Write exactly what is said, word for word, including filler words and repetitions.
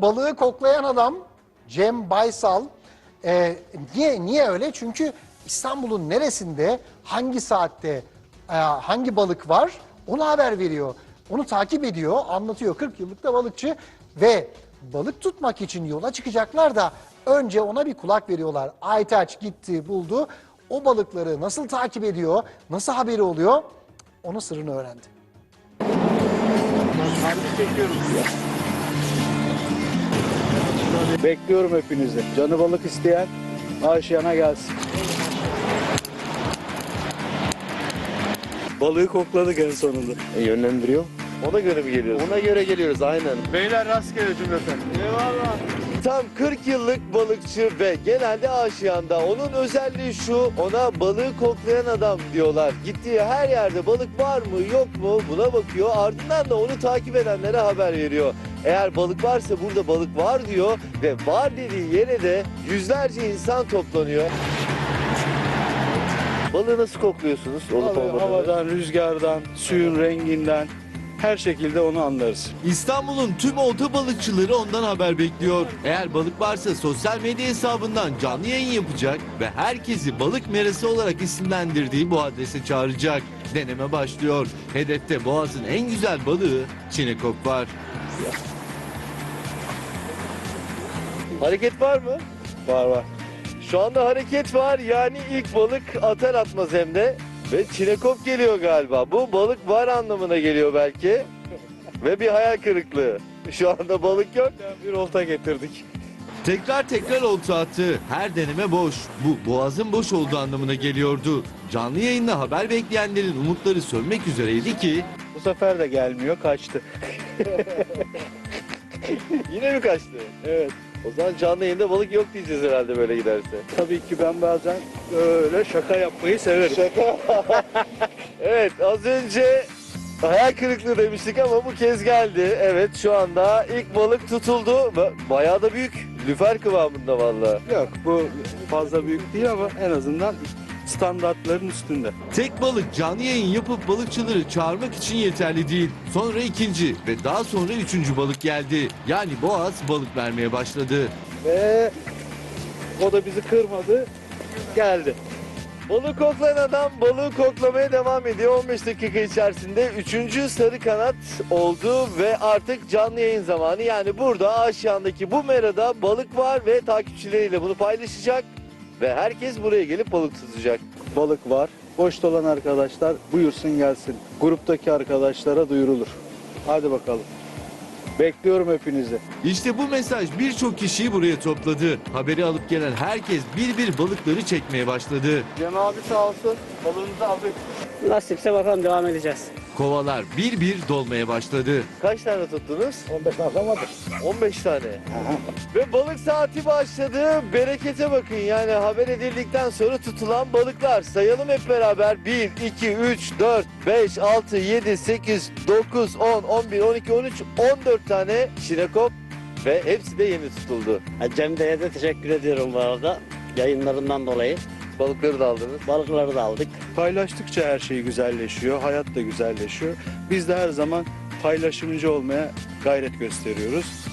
balığı koklayan adam Cem Baysal. Ee, niye niye öyle? Çünkü İstanbul'un neresinde, hangi saatte, e, hangi balık var onu haber veriyor. Onu takip ediyor, anlatıyor. kırk yıllık da balıkçı ve balık tutmak için yola çıkacaklar da önce ona bir kulak veriyorlar. Aytaç gitti, buldu. O balıkları nasıl takip ediyor, nasıl haberi oluyor, onun sırrını öğrendi. Bekliyorum hepinizi. Canı balık isteyen aşiyana gelsin. Balığı kokladık en sonunda. E, yönlendiriyor. Ona göre mi geliyoruz? Ona göre geliyoruz aynen. Beyler rastgele cümleten. Eyvallah. Tam kırk yıllık balıkçı ve genelde aşiyanda. Onun özelliği şu, ona balığı koklayan adam diyorlar. Gittiği her yerde balık var mı yok mu buna bakıyor. Ardından da onu takip edenlere haber veriyor. Eğer balık varsa burada balık var diyor ve var dediği yere de yüzlerce insan toplanıyor. Balığı nasıl kokluyorsunuz? Olup Vallahi olmadığını? havadan, rüzgardan, suyun renginden her şekilde onu anlarız. İstanbul'un tüm olta balıkçıları ondan haber bekliyor. Eğer balık varsa sosyal medya hesabından canlı yayın yapacak ve herkesi balık merası olarak isimlendirdiği bu adrese çağıracak. Deneme başlıyor. Hedefte Boğaz'ın en güzel balığı çinekop var. Hareket var mı? Var var. Şu anda hareket var, yani ilk balık atar atmaz hem de. Ve çinekop geliyor galiba. Bu balık var anlamına geliyor belki. Ve bir hayal kırıklığı. Şu anda balık yok. Bir olta getirdik. Tekrar tekrar olta attı. Her deneme boş. Bu Boğaz'ın boş olduğu anlamına geliyordu. Canlı yayında haber bekleyenlerin umutları sönmek üzereydi ki Bu sefer de gelmiyor, kaçtı. Yine mi kaçtı? Evet. O zaman canlı yayında balık yok diyeceğiz herhalde böyle giderse. Tabii ki ben bazen öyle şaka yapmayı severim. Şaka. Evet, az önce hayal kırıklığı demiştik ama bu kez geldi. Evet, şu anda ilk balık tutuldu. Ve bayağı da büyük. Lüfer kıvamında vallahi. Yok, bu fazla büyük değil ama en azından standartların üstünde. tek balık canlı yayın yapıp balıkçıları çağırmak için yeterli değil. Sonra ikinci ve daha sonra üçüncü balık geldi. Yani Boğaz balık vermeye başladı. Ve o da bizi kırmadı, geldi. Balık koklayan adam balığı koklamaya devam ediyor. on beş dakika içerisinde üçüncü sarı kanat oldu ve artık canlı yayın zamanı. Yani burada Aşiyan'daki bu merada balık var ve takipçileriyle bunu paylaşacak. Ve herkes buraya gelip balık tutacak. Balık var. Boş dolan arkadaşlar buyursun gelsin. Gruptaki arkadaşlara duyurulur. Hadi bakalım. Bekliyorum hepinizi. İşte bu mesaj birçok kişiyi buraya topladı. Haberi alıp gelen herkes bir bir balıkları çekmeye başladı. Cem abi sağ olsun. Balığınızı aldık. Nasipse bakalım devam edeceğiz. Kovalar bir bir dolmaya başladı. Kaç tane tuttunuz? on beş tane vardır. on beş tane. Ve balık saati başladı. Berekete bakın, yani haber edildikten sonra tutulan balıklar. Sayalım hep beraber. bir, iki, üç, dört, beş, altı, yedi, sekiz, dokuz, on, on bir, on iki, on üç, on dört tane çinekop ve hepsi de yeni tutuldu. Cem Bey'e de teşekkür ediyorum bu arada. Yayınlarından dolayı. Balıkları da aldınız. Balıkları da aldık. Paylaştıkça her şey güzelleşiyor, hayat da güzelleşiyor. Biz de her zaman paylaşımcı olmaya gayret gösteriyoruz.